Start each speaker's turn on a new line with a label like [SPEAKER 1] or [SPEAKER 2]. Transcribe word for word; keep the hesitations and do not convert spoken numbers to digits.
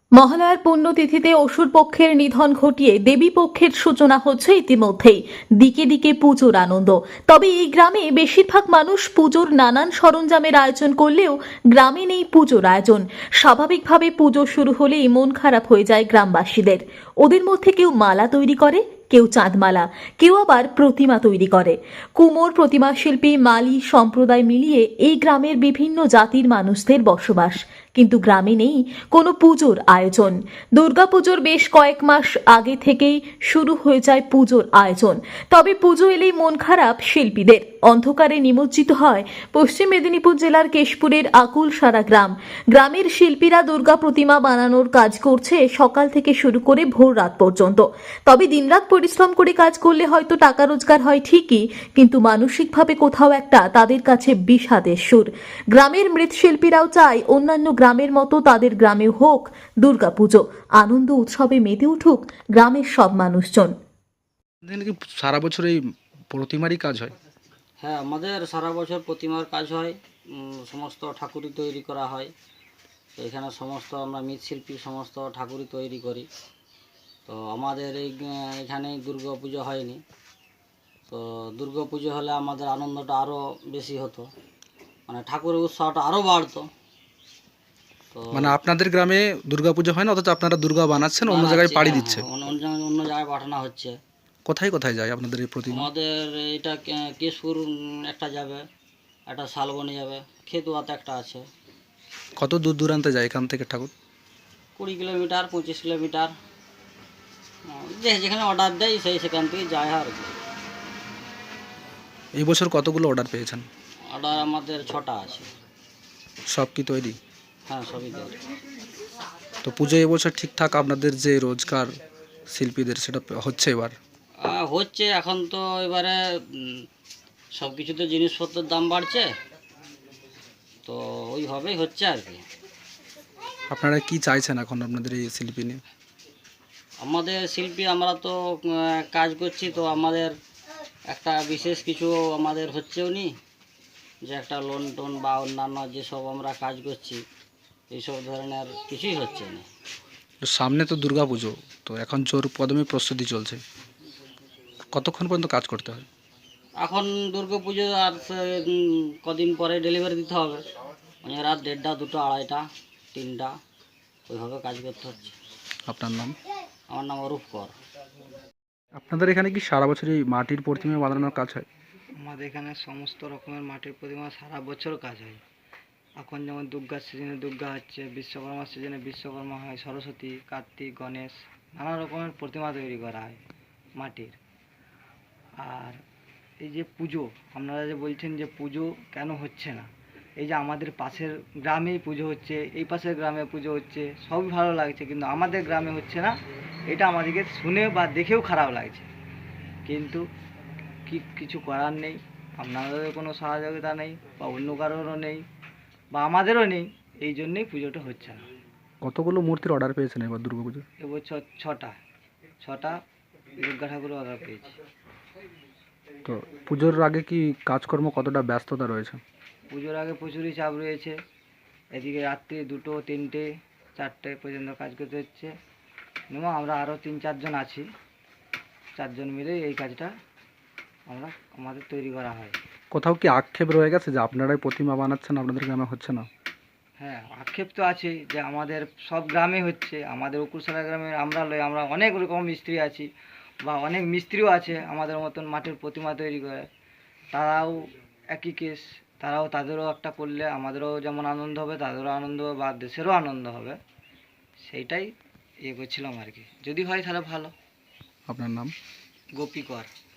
[SPEAKER 1] মহালয়ার পুণ্যতিথিতে অসুর পক্ষের নিধন ঘটিয়ে দেবী পক্ষের সূচনা হচ্ছে ইতিমধ্যেই। দিকে দিকে পুজোর আনন্দ। তবে এই গ্রামে বেশিরভাগ মানুষ পুজোর নানান সরঞ্জামের আয়োজন করলেও গ্রামে নেই পুজোর আয়োজন। স্বাভাবিকভাবে পুজো শুরু হলেই মন খারাপ হয়ে যায় গ্রামবাসীদের। ওদের মধ্যে কেউ মালা তৈরি করে, কেউ চাঁদমালা, কেউ আবার প্রতিমা তৈরি করে। কুমোর প্রতিমা শিল্পী মালি সম্প্রদায় মিলিয়ে এই গ্রামের বিভিন্ন জাতির মানুষদের বসবাস। কিন্তু গ্রামে নেই কোনো পুজোর আয়োজন। দুর্গাপুজোর বেশ কয়েক মাস আগে থেকেই শুরু হয়ে যায় পুজোর আয়োজন। তবে পুজো এলেই মন খারাপ শিল্পীদের। অন্ধকারে নিমজ্জিত হয় পশ্চিম মেদিনীপুর জেলার কেশপুরের আকুলসারা গ্রাম। গ্রামের শিল্পীরা দুর্গা প্রতিমা বানানোর কাজ করছে সকাল থেকে শুরু করে ভোর রাত পর্যন্ত। তবে দিনরাত পরিশ্রম করে কাজ করলে হয়তো টাকা রোজগার হয় ঠিকই, কিন্তু মানসিকভাবে কোথাও একটা তাদের কাছে বিষাদের সুর। গ্রামের মৃৎশিল্পীরাও চায় অন্যান্য গ্রামের মতো তাদের গ্রামেও হোক দুর্গাপুজো। আনন্দ উৎসবে মেতে উঠুক গ্রামের সব মানুষজন।
[SPEAKER 2] এখানে কি সারা বছর এই প্রতিমারই কাজ হয়?
[SPEAKER 3] হ্যাঁ, আমাদের সারা বছর প্রতিমার কাজ হয়। উম, সমস্ত ঠাকুরই তৈরি করা হয়। তো এখানে সমস্ত আমরা মৃৎশিল্পী সমস্ত ঠাকুরই তৈরি করি। তো আমাদের এই আহ, এখানে দুর্গা পুজো হয়নি। তো দুর্গা পুজো হলে আমাদের আনন্দটা আরও বেশি হতো, মানে ঠাকুরের উৎসাহটা আরও বাড়তো। তো
[SPEAKER 2] মানে আপনাদের গ্রামে দুর্গাপুজো হয় না, অথচ আপনারা দুর্গা বানাচ্ছেন, অন্য জায়গায়
[SPEAKER 3] বানাচ্ছি,
[SPEAKER 2] পাড়ি
[SPEAKER 3] হ্যাঁ
[SPEAKER 2] দিচ্ছে।
[SPEAKER 3] হ্যাঁ, অন্য অন্য জায়গায় অন্য জায়গায় পাঠানো হচ্ছে।
[SPEAKER 2] কোথায় কোথায় যায় আপনাদের এই প্রতিমা?
[SPEAKER 3] আমাদের এটা কে- কেশপুর উম, একটা যাবে, একটা শালবনি যাবে, খেতুয়াতে একটা আছে।
[SPEAKER 2] কত দূর দূরান্তে যায় এখান থেকে ঠাকুর?
[SPEAKER 3] কুড়ি কিলোমিটার পঁচিশ কিলোমিটার, আহ, যে যেখানে অর্ডার দেয় সেই সেখান থেকে যায় আর কি।
[SPEAKER 2] এই বছর কতগুলো অর্ডার পেয়েছেন?
[SPEAKER 3] অর্ডার আমাদের ছটা আছে।
[SPEAKER 2] সব কি তৈরি?
[SPEAKER 3] হ্যাঁ, সবই দেয়।
[SPEAKER 2] তো পুজো এবছর ঠিকঠাক আপনাদের যে রোজগার শিল্পীদের সেটা হচ্ছে এবার?
[SPEAKER 3] আহ, হচ্ছে এখন তো এবারে সব কিছুতে জিনিসপত্রের দাম বাড়ছে, তো ওইভাবেই হচ্ছে আর কি।
[SPEAKER 2] আপনারা কি চাইছেন এখন আপনাদের এই শিল্পী নিয়ে?
[SPEAKER 3] আমাদের শিল্পী আমরা তো আহ, কাজ করছি, তো আমাদের একটা বিশেষ কিছু আমাদের হচ্ছেও নি, যে একটা লোন টোন বা অন্যান্য যেসব আমরা কাজ করছি এইসব ধরনের কিছুই হচ্ছে না।
[SPEAKER 2] তো সামনে তো দুর্গা পুজো, তো এখন জোর কদমে প্রস্তুতি চলছে। কতক্ষণ পর্যন্ত কাজ করতে হয়?
[SPEAKER 3] এখন দুর্গা পুজো আর সে- উম, কদিন পরে ডেলিভারি দিতে হবে, মানে রাত দেড়টা দুটো আড়াইটা তিনটা ওইভাবে কাজ করতে হচ্ছে।
[SPEAKER 2] আপনার নাম?
[SPEAKER 3] আমার নাম অরূপ কর।
[SPEAKER 2] আপনাদের এখানে কি সারা বছরই মাটির প্রতিমা বানানোর কাজ হয়?
[SPEAKER 4] আমাদের এখানে সমস্ত রকমের মাটির প্রতিমা সারা বছর কাজ হয়। এখন যেমন দুর্গার সিজনে দুর্গা হচ্ছে, বিশ্বকর্মার সিজনে বিশ্বকর্মা হয়, সরস্বতী, কার্তিক, গণেশ, নানা রকমের প্রতিমা তৈরি করা হয় মাটির। আর এই যে পুজো, আপনারা যে বলছেন যে পুজো কেন হচ্ছে না, এই যে আমাদের পাশের গ্রামেই পুজো হচ্ছে, এই পাশের গ্রামে পুজো হচ্ছে, সবই ভালো লাগছে, কিন্তু আমাদের গ্রামে হচ্ছে না। এটা আমাদেরকে শুনে বা দেখেও খারাপ লাগছে, কিন্তু কি কিছু করার নেই। আপনাদের কোনো সহযোগিতা নেই বা অন্য কারোরও নেই বা আমাদেরও নেই, এই জন্যেই পুজোটা হচ্ছে না।
[SPEAKER 2] কতগুলো মূর্তির অর্ডার পেয়েছেন এবার দুর্গা পুজো?
[SPEAKER 4] এবছর ছটা ছটা দুর্গা ঠাকুরের অর্ডার পেয়েছি।
[SPEAKER 2] তো পুজোর আগে কি কাজকর্ম কতটা ব্যস্ততা রয়েছে?
[SPEAKER 4] পুজোর আগে প্রচুরই চাপ রয়েছে। এদিকে রাত্রি দুটো তিনটে চারটে পর্যন্ত কাজ করতে হচ্ছে। এবং আমরা আরও তিন চারজন আছি, চারজন মিলে এই কাজটা আমরা আমাদের তৈরি করা হয়।
[SPEAKER 2] কোথাও কি আক্ষেপ রয়ে গেছে যে আপনারাই প্রতিমা বানাচ্ছেন, আপনাদের গ্রামে হচ্ছে না?
[SPEAKER 4] হ্যাঁ, আক্ষেপ তো আছেই যে আমাদের সব গ্রামে হচ্ছে, আমাদের উকুরসালা গ্রামে আমরা লই, আমরা অনেক রকম মিস্ত্রি আছি বা অনেক মিস্ত্রিও আছে আমাদের মতন মাটির প্রতিমা তৈরি করে, তারাও একই কেস। তারাও তাদেরও একটা করলে আমাদেরও যেমন আনন্দ হবে, তাদেরও আনন্দ হবে বা দেশেরও আনন্দ হবে, সেইটাই ইয়ে করছিলাম আর কি। যদি হয় তাহলে ভালো।
[SPEAKER 2] আপনার নাম?
[SPEAKER 4] গোপী কর।